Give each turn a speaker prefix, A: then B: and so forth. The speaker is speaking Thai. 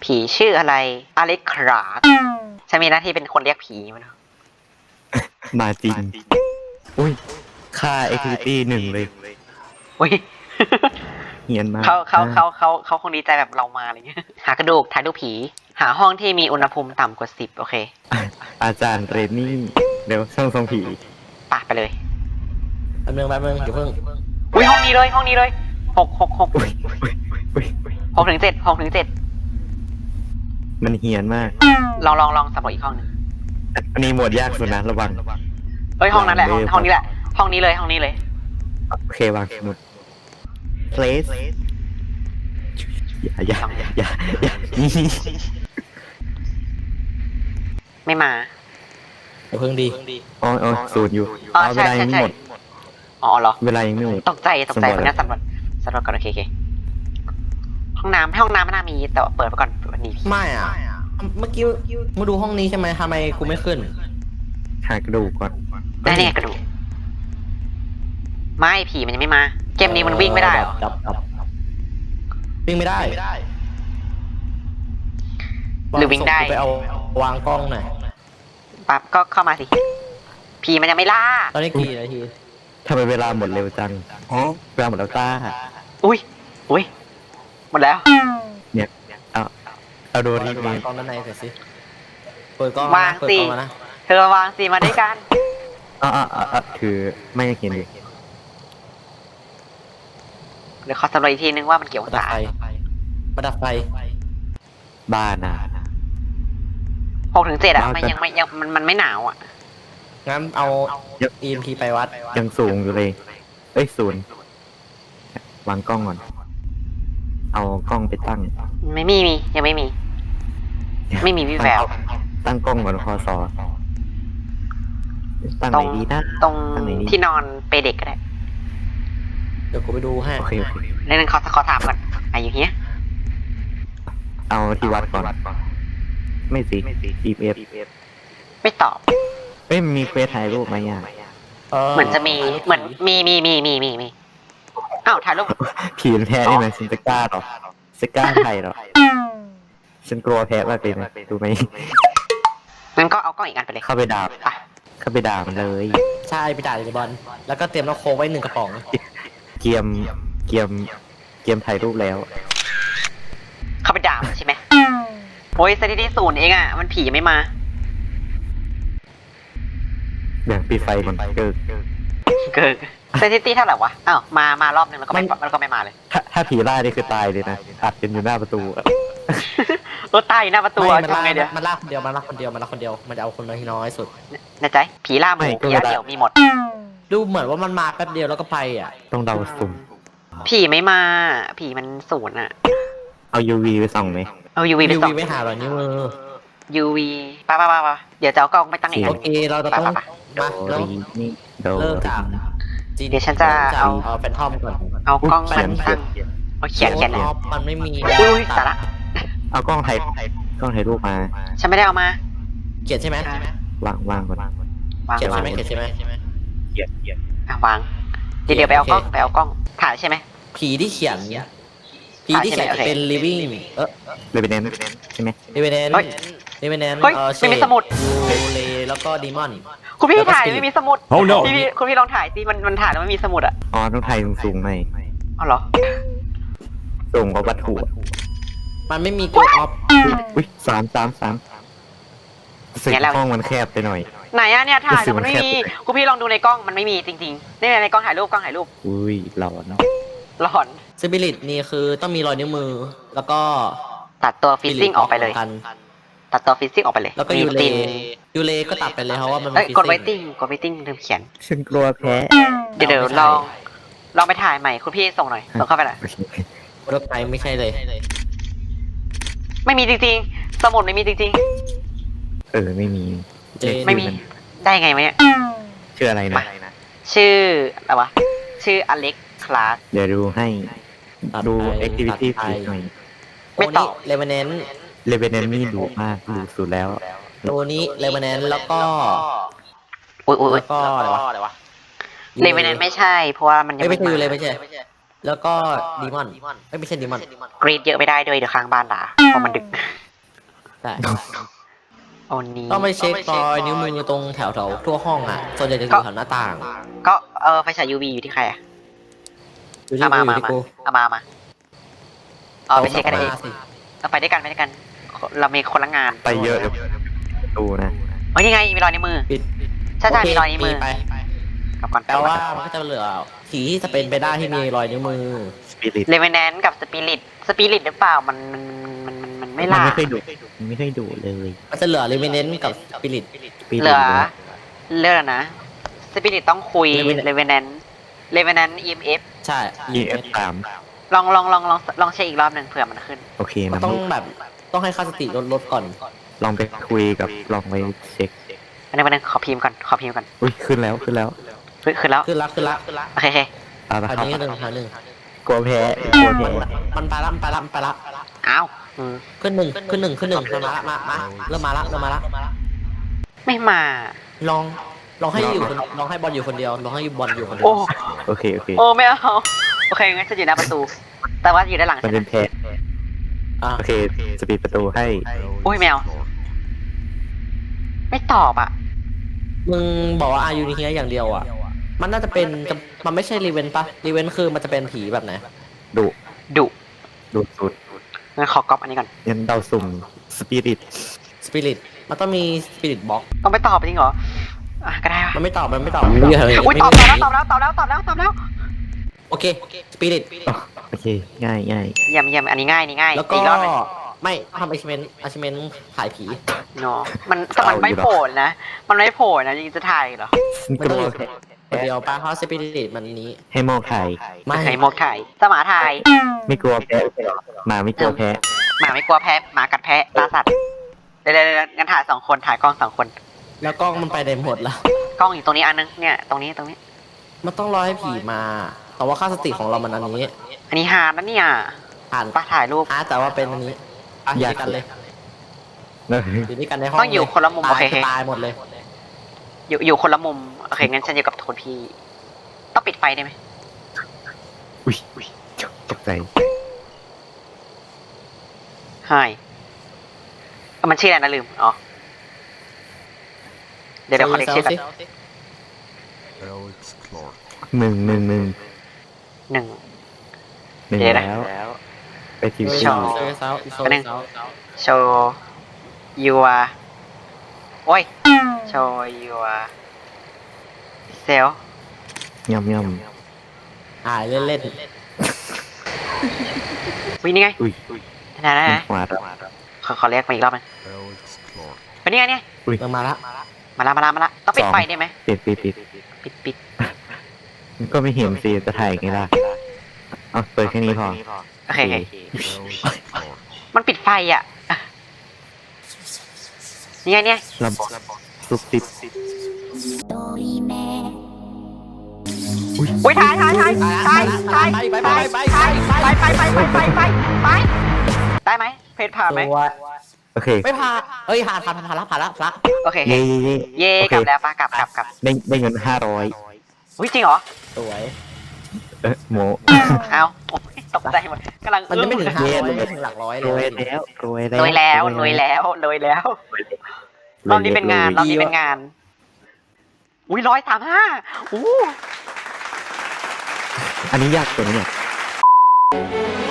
A: ผีชื่ออะไรอเล็กคราสฉันมีหน้าที่เป็นคนเรียกผีมัน
B: มาจริงอุ้ยค่า activity 1เลย
A: อุ้ย
B: เฮียนมาก
A: เขาคงดีใจแบบเรามาอะไรเงี้ยหากระดูกถ่ายรูปผี หาห้องที่มีอุณหภูมิต่ำกว่า10โอเค
B: อาจารย์เรนนี่เดี๋ยวช่องทรงผี
A: ปะไปเลย
C: แป๊บนึงเดี๋ยวเพิ่ง
A: อุ้ยห้องนี้เลย6
B: อุ้ยอุ้ยอุ้ยอุ้ย
A: 6 ถึง 7 6 ถึง
B: มันเฮียนมาก
A: 7ลองสำรวจอีกห้องหนึง
B: อันนี้หมวดยากสุดนะระวัง
A: เฮ้ยห้องนั้นแหละห้องนี้แหละห้องนี้เลย
B: โอเควางสมุด place อย่า
A: ไม่มา
C: เดี๋ยวเพิ่งดี
B: อ๋อศูนย์อยู่
A: อ๋อ
B: เว
A: ใช่
B: ลายังไม่หมด
A: อ๋อเหรอ
B: เวลายังไม่หมด
A: ตกใจคนนี้สำรวจก่อนโอเคห้องน้ำไม่น่ามีแต่เปิดไปก่อนวันนี้
C: ไม่อ่ะเมื่อกี้มาดูห้องนี้ใช่ไหมทำไมกูไม่ขึ้น
B: หากระดูกก่อน
A: ได้เนี่ยกระดูกไม่ผีมันยังไม่มา เกมนี้มันวิ่งไม่ได้เหรอ
C: จับวิ่งไม่ได้
A: หรือวิ่งได้
C: ไปเอาวางกล้องหน่อย
A: ปั๊บก็เข้ามาสิผีมันยังไม่ล่า
C: ตอนนี้กี่นาที
B: ทำไมเวลาหมดเร็วจังเวลาหมดแล้วจ้า
A: อุ้ยหมดแล้ว
B: เนี่ยเอาโดนที่
C: วา
B: นี้
C: งกล้องด้านในเสร็จสิเปิดกล้อง
A: วางสิ
C: เปิดกล้องมานะ
A: เธอวางสิมาด้วยกัน
B: คือไม่เห็นเลย
A: เดี๋ยวขอสำรวจอีกทีนึงว่ามันเกี่ยว
C: มา
A: กับ
C: ดับ
A: ตา
C: ไฟมาดับไฟ
B: บ้านอ่ะ
A: 6 ถึง 7อ่ะ
B: วาง
A: มัน
B: กัน
A: ยังไม่มันไม่หนาวอ่ะ
C: งั้นเอา EMP ไปวัด
B: ยังสูงอยู่เลย เอ้ยศูนย์วางกล้องก่อน เอากล้องไปตั้ง
A: ไม่มียังไม่มีวิแวว
B: ตั้งกล้องก่อนพอสอตั้ง
A: ต
B: ไห
A: ร
B: น
A: ง
B: ดีนะ
A: ตรง
B: ตั้งไหนดี
A: ที่นอนเปรย์เด็กก็ได้
C: เดี๋ยวกูไปดูให้
B: โอเค
A: เรื่องนึงขอถามก่อนอยู่เฮีย
B: เอาที่วัดก่อน ไม่สิ EF
A: ไม่ตอบ
B: เอ้ยมีเฟซถ่ายรูปไหมอ่ะ
A: เหมือนจะมีเหมือนมีอ้าวถ่ายรูป
B: ผีมันแพ้ได้ไหมฉันจะกล้าหรอจะกล้าถ่ายหรอฉันกลัวแพ้มากเลยนะดูไหม
A: งั้นก็เอากล้องอีกอันไปเลย
B: เข้าไปด่า
A: ไป
B: มันเลย
C: ใช่ไปจ่ายเลยบอลแล้วก็เตรียมน้ำโค้กไว้1 กระป๋อง
B: เกียมถ่ายรูปแล้ว
A: เข้าไปด่ามันใช่ไหมโอ้ยสถิติ0เองอ่ะมันผีไม่มา
B: แบ่งปีไฟก่อนเกิด
A: เกิดสถิติเท่าไหร่วะอ้าวมารอบนึงแล้วก็ไม่มาเลย
B: ถ้าผีไล่นี่คือตายเลยนะอัดกันอยู่หน้าประตูอะ
A: รถตายอยู่หน้าประตู
C: ไม่มัน
A: ทำไงเดี๋ยว
C: ลากคนเดียวมันจะเอาคนน้อยสุด
A: ในใจผีล่าหมูผีล่าเดี่ยวมีหมด
C: ดูเหมือนว่ามันมาแป๊บเดียวแล้วก็ไปอ่ะ
B: ต้องเดาสุ่ม
A: ผีไม่มา ผีมัน0อ่ะ
B: เอา UV ไปส่องไหม
A: เอา UV ไป
C: ยู
A: ส่อ
C: วี
A: ง
C: ไม่หาหรอนิ้วมือ
A: UV ป่ะเดี๋ยวจะเอากล้องไปตั้งอีก
C: โอ
A: อัน
C: เคเราจะต้อง
A: ไป
C: มา
B: โด
C: แล้ว
B: รีนี่โด
C: เริ่มจาก
A: เดี๋ยวฉันจะเอา
C: แฟนทอมก่อน
A: เอากล้อง
B: เขี
A: มาย
B: น
A: ตั้งเอาเขียน
C: ออฟมันไม่มี
A: อุ้ยสาระ
B: เอากล้องถ่ายรูปมา
A: ฉันไม่ได้เอามา
C: เขียนใช่ไหม
B: วางก่อน
A: วาง
C: เขียนใช่ไหมเขียนใช่ไหม
A: วางเดี๋ยวไปเอากล้องถ่ายใช่ไหม
C: ผีที่เขียนเป็น living
B: เลยเป็นเน้นใช่ไหม
C: revenant
A: เฮ้ย
C: revenant
A: เฮ้ยไม่มีสมุด
C: ยูเลแล้วก็ดีมอน
A: คุณพี่
C: แล้วก็
A: ถ่าย
C: Spirit
A: ไม่มีสมุด
D: Oh no
A: คุณพี่ลองถ่ายสิมันถ่ายแล้วไม่มีสมุดอ่ะ
B: อ๋อต้องถ่ายสูงๆหน่อย
A: อ๋อเหรอ
B: สูงกว่าวัตถุ
C: มันไม่มีตัวออฟ
B: อุ้ยสามสึกห้องมันแคบไปหน่อย
A: ไหนอะเนี่ยถ่าย
B: รู้สึก
A: มันไม่
B: มันแคบ
A: มีคุณพี่ลองดูในกล้องมันไม่มีจริงๆนี่ในกล้องถ่ายรูป
B: อุ้ยหลอนเนาะ
A: หลอน
C: สปิริตนี่คือต้องมีรอยนิ้วมือ แล้วก็
A: ตัดตัวฟิซซิ่งออกไปเลย
C: กัน
A: ตัดตัวฟิซซิ่งออกไปเลย
C: แล้วก็
A: มี
C: ยูเล
A: ติน
C: ยูเลก็ตัดไปเลยเพราะว่ามัน
A: เอ้ย
C: ฟิซ
A: กดไว
C: ซิ่ง
A: ติ้งลืมเขียน
B: ฉันกลัวแพ้
A: เดี๋ยวลองไปถ่ายใหม่คุณพี่ส่งหน่อยส่งเข้าไปหน่อย
B: โอเค
C: รถไฟไม่ใช่เลย
A: ไม่มีจริงๆสมุดไม่มีจริง
B: ไม่มี
C: เจน
A: ไม่มี ๆได้ไงวะเนี่ย
B: ชื่ออะไรนะ
A: ชื่ออะไรวะชื่ออเล็กคลาส
B: เดี๋ยวดูให้
C: ตัด
B: ดู
C: ไป
B: activity
C: ตัดไป
B: หน่อย
A: ไม่ตอบ
C: เลเวนแนน
B: เลเวนนี่ดูมากดูสุดแล้ว
C: ตัวนี้เลเวนแนนแล้วก็
A: อุ้ย
C: แล้วก็อะไรวะ
A: เลเวนแนนไม่ใช่เพราะว่ามันยัง
C: ไม่ใช่ยูเล
A: มา
C: ไม่ใช่ แล้วก็ดีมอนไม่ใช่ดีมอน
A: กรีดเยอะไม่ได้ด้วยเดี๋ยวค้างบ้านด่าเพราะมันดึก
C: ใช่
A: โอ้นี้
C: ต้องไปเช็ครอยนิ้วมือตรงแถวทั่วห้องอ่ะส่วนใหญ่จะอยู่แถวหน้าต่าง
A: ก็ไฟฉาย UV อยู่ที่ใครอะ
C: อยู่ที่
A: เอา
C: กู
A: มา
C: อยู่ที่กู
A: เอามาเอาไปเช็คกันเอง
C: าสิ
A: เราไปด้วยกันเรามีคนละงาน
B: ไปเยอะเดี๋ยวประตูนะ
A: เฮ้ยนี่ไงมีรอยนิ้วมือ
C: ปิด
A: ใช่
C: โอเค
A: มีรอยนิ้วมือ
C: ไป
A: กลับก่อน
C: แปลว่ามันก็จะเหลือผีที่จะเป็นไปได้ที่มีรอยนิ้วมือ
B: สปิริต
A: เลเวนแนนกับสปิริตหรือเปล่ามันไม่
B: มัน
A: ล่า
B: ไม่เคยดุมันไม่เคยดุเลย
C: มันจะเหลือเรเวนเนนกับสปิริต
A: เหลือเลือดนะสปิริตต้องคุย
C: Revenant
A: เลเวนแนน EMF
C: ใช่
B: EF3
A: ลองเช็คอีกรอบหนึ่งเผื่อมันขึ้น
B: โอเค
C: มัน
B: นะ
C: ต้องแบบต้องให้ค่าสติลดก่อน
B: ลองไปคุยกับลองไปเช็ค
A: อันนี้ขอพิมพ์ก่อน
B: อุ้ยขึ้นแล้ว
A: ขึ้นแล้ว
C: ขึ้นละ
A: โอเค
B: เอาละ
C: อัน
B: ครับ
C: นี้หนึ่งอันหนึ่ง
B: กลัวแพ้กลัวแพ้
C: มันไปละ
A: อ้าว
C: ขึ้นหนึ่งมันมาละมาเริ่มมาละ
A: ไม่มา
C: ลองให้ลองให้บอลอยู่คนเดียวลองให้บอลอยู่คนเดีย
A: โอ้
C: ว
B: โอเคโอเค
A: โอ้ไม่เอาโอเคงั้นจะอยู่หน้าประตู แต่ว่าอยู่ด้านหลัง
B: มันเป็นแพ้
C: อ่ะ
B: โอเคจะปิดประตูให้
A: โอ้ยแมวไม่ตอบอ่ะ
C: มึงบอกว่าอายุนี่เฮียอย่างเดียวอ่ะมันน่าจะเป็นมันไม่ใช่รีเวนปะรีเวนคือมันจะเป็นผีแบบไหน
B: ดุ
A: ดุ
B: ดุสุด
A: งั้นขอก๊อปอันนี้ก่อน
B: ยันเดาสุ่มสปิริต
C: สปิริตมันต้องมีสปิริตบ็อก
A: ต้องไปตอบจริงเหรออ่ะก็ได้วะ
C: มันไม่ตอบ
A: อุ้ยตอบแล้ว
C: โอเคสปิริต
B: โอเคง่ายง่าย
A: เยี่ยมอันนี้ง่าย
C: แล้วก็
A: อีกรอบหนึ่ง
C: ไม่ทำachievement ถ่ายผี
A: เนาะแต่มันไม่โผล่นะมันไม่โผล่นะยังจะถ่ายเหรอ
C: ไม่ต้องอยู่คนเดียวป้าเพราะสปิริตมันนี้
B: ให้มองถ่าย
C: ไม่
A: ไข่มกถ่ายสมาถ่าย
B: ไม่กลัวแพ้หมาไม่กลัวแพ้
A: หมาไม่กลัวแพ้หมากัดแพ้ล่าสัตว์เดี๋ยวงั้นถ่าย2 คนถ่ายกล้อง2 คน
C: แล้วกล้องมันไปได้หมดแล้ว
A: กล้องอยู่ตรงนี้อันนึงเนี่ยตรงนี้
C: มันต้องรอให้ผีมาแต่ว่าค่าสติของเรามันอันนี้
A: อันนี้ฮาร์ดนะเนี่ย
C: ผ่าน
A: ป้าถ่ายรูป
C: แต่ว่าเป็นอันนี้อยู่ด้วยกันเลย
B: เนอะ
C: อยู่ด้วยกันในห้อง
A: ต้องอยู่คนละมุมโอเค
C: ตายหมดเลย
A: อยู่คนละมุมโอเคงั้นฉันอยู่กับคนพี่ต้องปิดไฟได้ไหม
B: อุ้ยตกใจ
A: ใช่มันชื่ออะไรนะลืมอ๋อเดี๋ยวขอเด็กชื่อก่อน
D: Alex Clark.
B: หนึ่ง
A: 1
B: เดี๋ยวแล้วไปทีวี
A: ชอบ
C: อันนึง
A: โชว์ยัวโอ้ยโชว์ยัวเซล
B: ย่ำย่
C: เล่น
A: วิ่งนี่ไง
B: ำอุ้ย
A: นะ
B: ขวาด
A: ขอเรียกมาอีกรอบนึง
D: Alex Clark.
A: เป็นนี่ไงเนี่ย
C: เริ่มมาละ
A: มาละต้องปิดไฟได้ไหม
B: ปิด
A: ปิด
B: ก็ไม่เห็นสิจะถ่ายไงล่ะเอาเปิดแค่นี้พอ
A: โอเค
D: Alex Clark.
A: มันปิดไฟอ่ะนี่ไงเนี่ย
B: ระบบซุบซิบ
A: อุ้ยถ่ายได้ไหมเพจผ่านไหม
C: ตัว
B: โอเค
C: ไม่ผ่านเอ้ยผ่านละพระ
A: โอเค
B: เย่
A: เย่
B: โอก เค
A: ลับแล้วป้ากลับ
B: ได้เงิน500
A: อุ้ยจริงเหรอ
C: สวย
B: โม
A: เอาโอ้ยตกใจหมดกำลัง
C: มันจะไม่ถึง
B: เย้
C: 500ไม่ถึงหลักร้อย
B: รวย
C: เลย
B: แล้วรวย
A: รวยแล้วรอบนี้เป็นงานอุ้ย135อู้
B: อันนี้ยากตัวนี้เนี่ย